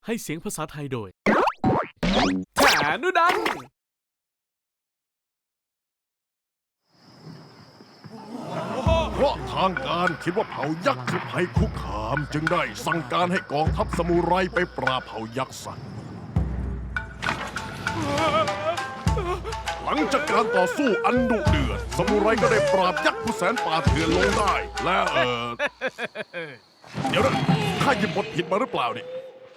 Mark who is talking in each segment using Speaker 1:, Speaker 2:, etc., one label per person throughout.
Speaker 1: ให้เสียงภาษาไทยโดยแถนุดัน
Speaker 2: เพราะทางการคิดว่าเผ่ายักษ์คือภัยคุกคามจึงได้สั่งการให้กองทัพซามูไรไปปราบเผ่ายักษ์ซะหลังจากการต่อสู้อันดุเดือดซามูไรก็ได้ปราบยักษ์ผู้แสนป่าเถื่อนลงได้และเดี๋ยวนะข้าหยิบบทผิดมาหรือเปล่านี่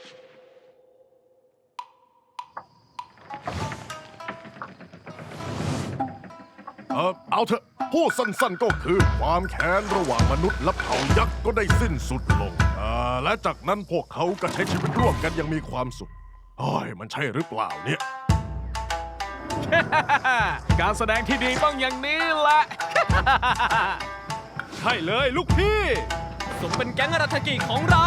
Speaker 2: เอาเถอะพูดสั้นๆก็คือความแค้นระหว่างมนุษย์และเผ่ายักษ์ก็ได้สิ้นสุดลงและจากนั้นพวกเขาก็ใช้ชีวิตร่วมกันอย่างมีความสุขเฮ้ยมันใช่หรือเปล่าเนี่ย
Speaker 1: การแสดงที่ดีต้องอย่างนี้แหละ ใช่เลยลูกพี่สมเป็นแก๊งอาราธกิของเรา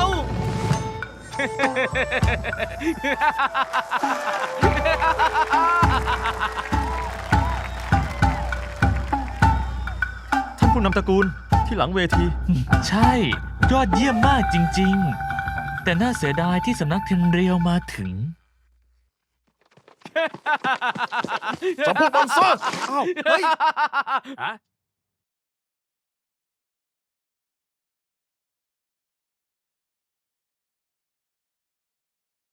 Speaker 3: ท่านผู้นำตระกูลที่หลังเวที
Speaker 4: ใช่ ยอดเยี่ยมมากจริงๆ แต่น่าเสียดายที่สำนักเทนเรียวมาถึง
Speaker 2: จะพูดมันซะอ้าวเฮ้ย